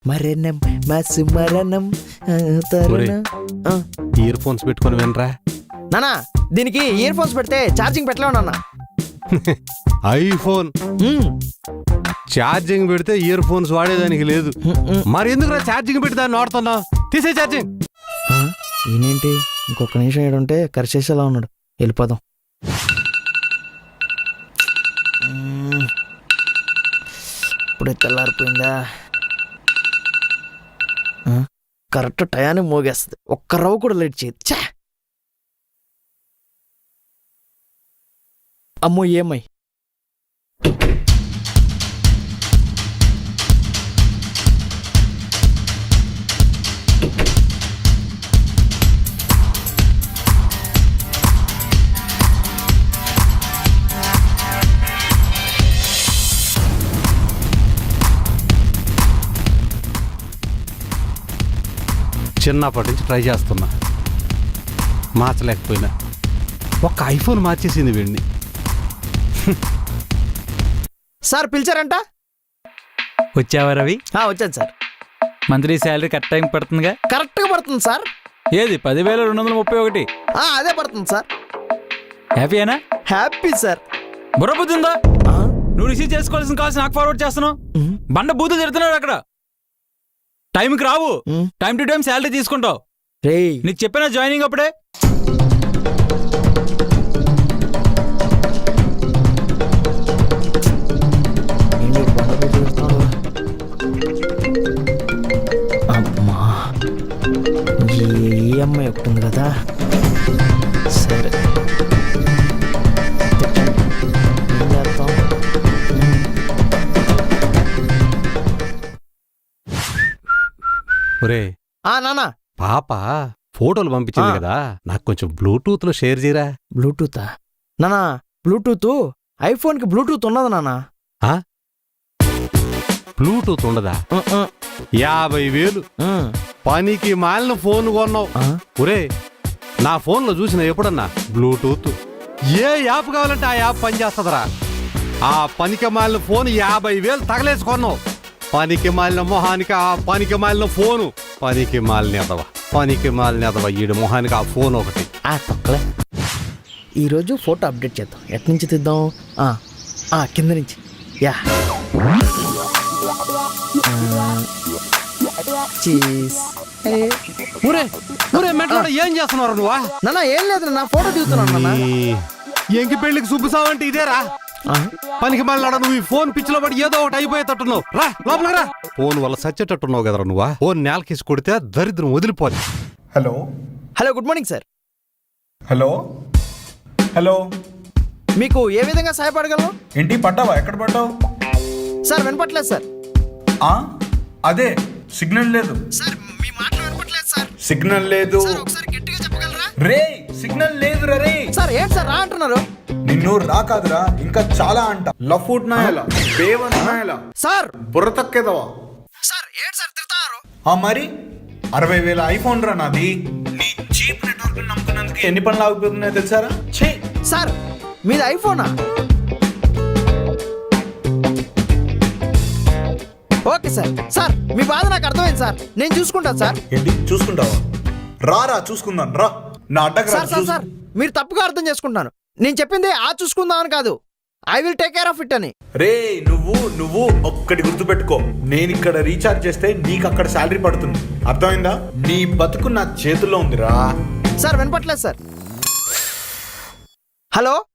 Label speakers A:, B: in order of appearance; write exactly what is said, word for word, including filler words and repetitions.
A: మరణం మాసు మరణం
B: ear phones పెట్టుకొని వినరా
A: నానా. దీనికి ఇయర్ ఫోన్స్ పెడితే ఛార్జింగ్ పెట్టలేవు నాన్న.
B: ఐఫోన్ ఛార్జింగ్ పెడితే ఇయర్ ఫోన్స్ వాడేదానికి లేదు. మరి ఎందుకు ఛార్జింగ్ పెట్టి దాన్ని వాడుతున్నావు? తీసే ఛార్జింగ్.
A: ఈయనేంటి ఇంకొక నిమిషం ఏడుంటే కరిచేసేలా ఉన్నాడు. వెళ్ళిపోదాం. ఇప్పుడే తెల్లారిపోయిందా? కరెక్ట్ టయానికి మోగేస్తుంది. ఒక్క రవ్వ కూడా లేట్ చేయదు. ఛా! అమ్మో ఏమై
B: చిన్నప్పటి నుంచి ట్రై చేస్తున్నా, మార్చలేకపోయినా. ఒక్క ఐఫోన్ మార్చేసింది వీడిని.
A: సార్ పిలిచారంట?
C: వచ్చావా రవి?
A: వచ్చాను sir.
C: Monthly salary correct time పడుతుందిగా?
A: కరెక్ట్గా పడుతుంది సార్.
C: ఏది పదివేల రెండు వందల ముప్పై ఒకటి
A: అదే పడుతుంది సార్.
C: హ్యాపీయేనా?
A: Happy sir.
C: బుర్రబుద్ధి ఉందా? నువ్వు రిసీవ్ చేసుకోవాల్సిన కాల్స్ నాకు ఫార్వర్డ్ చేస్తున్నావు. బండ బూతులు తిడుతున్నాడు అక్కడ. టైంకి రావు, టైం టు టైం శాలరీ తీసుకుంటావు. నీకు చెప్పినా జాయినింగ్ అప్పుడే.
A: అమ్మా ఈ అమ్మాయి ఒకటి ఉంది కదా. సరే ఏం చేస్తాం?
B: ఒరే
A: ఆ నానా,
B: పాప ఫోటోలు పంపించింది కదా, నాకు కొంచెం బ్లూటూత్ లో షేర్ చేయరా.
A: బ్లూటూతా? నానా బ్లూటూత్ ఐఫోన్ కి బ్లూటూత్ ఉన్నది నానా.
B: బ్లూటూత్ ఉండదా? యాభై వేలు పనికి మాలిన ఫోన్ కొన్నావు. ఒరే నా ఫోన్ లో చూసిన ఎప్పుడన్నా బ్లూటూత్ ఏ యాప్ కావాలంటే ఆ యాప్ పనిచేస్తుందిరా. ఆ పనికి మాలిన ఫోన్ యాభై వేలు తగలేసుకున్నావు. పనికి మాలిన మొహానికి ఆ పనికి మాలిన ఫోను. పనికి మాలిన ఎదవ, పనికి మాలిన ఎదవ ఈడు మొహానికి ఆ ఫోన్ ఒకటి.
A: ఆ తొక్కలే. ఈరోజు ఫోటో అప్డేట్ చేద్దాం. ఎట్ నుంచి తీద్దాం? కింద నుంచి. యా
B: ఊరే ఊరే మెట్ల ఏం చేస్తున్నారు నువ్వా?
A: నాన్న ఏం లేదు నా ఫోటో దిగుతున్నాను నాన్న.
B: ఎంకి పెళ్లికి సుబ్బుసావంటే ఇదేరా? పనికి మళ్ళీ నువ్వు ఈ ఫోన్ పిచ్చిలో పడి ఏదో ఒకటి అయిపోయేటట్టున్నావు. రా లోపలికి రా. ఫోన్ వల్ల సచ్చేటట్టున్నావు కదరా నువ్వా. ఫోన్ నేలకేసి కొడితే దరిద్రం వదిలిపోదు.
D: Hello
A: hello good morning sir.
D: Hello hello
A: మీకు ఏ విధంగా సహాయపడగలను?
D: ఏంటి పడ్డావా? ఎక్కడ పడ్డావు
A: సార్? వినపట్లేదు సార్.
D: అదే సిగ్నల్ లేదు
A: సార్. మీ మాటలు వినపట్లేదు సార్.
D: సిగ్నల్ లేదు.
A: ఒకసారి గట్టిగా చెప్పగలరా?
D: రే సిగ్నల్ లేదు రే.
A: సార్ ఏంటి సార్ రా అంటున్నారు?
D: నిన్ను రా కాదురా, ఇంకా చాలా అంట. లఫూట్ నాయలా, బేవన్ నాయలా
A: సార్.
D: బుర్ర తక్కేదవా
A: సార్? ఏంటి సార్ తిడతారు?
D: ఆ మరి అరవై వేల ఐఫోన్ రా నాది. నీ చీప్ నెట్వర్క్ నమ్ముకున్నందుకు ఎన్ని పనులు ఆగిపోతున్నాయో తెలుసారా? ఛీ
A: సార్ మీది ఐఫోనా? Okay sir. సార్ మీ బాధ నాకు అర్థమైంది సార్. నేను చూసుకుంటాను సార్.
D: ఏంటి చూసుకుంటావా? రారా చూసుకుందాం రా. నా అడ్డకు రా.
A: సార్ సార్ మీరు తప్పుగా అర్థం చేసుకుంటున్నాను. నేను చెప్పింది ఆ చూసుకుందామని కాదు. I will take care of it అని.
D: రే నువ్వు నువ్వు ఒక్కటి గుర్తుపెట్టుకో. నేను ఇక్కడ రీఛార్జ్ చేస్తే నీకు అక్కడ శాలరీ పడుతుంది. అర్థమైందా? నీ బతుకు నా చేతుల్లో ఉందిరా.
A: సార్ వినపట్లేదు సార్. హలో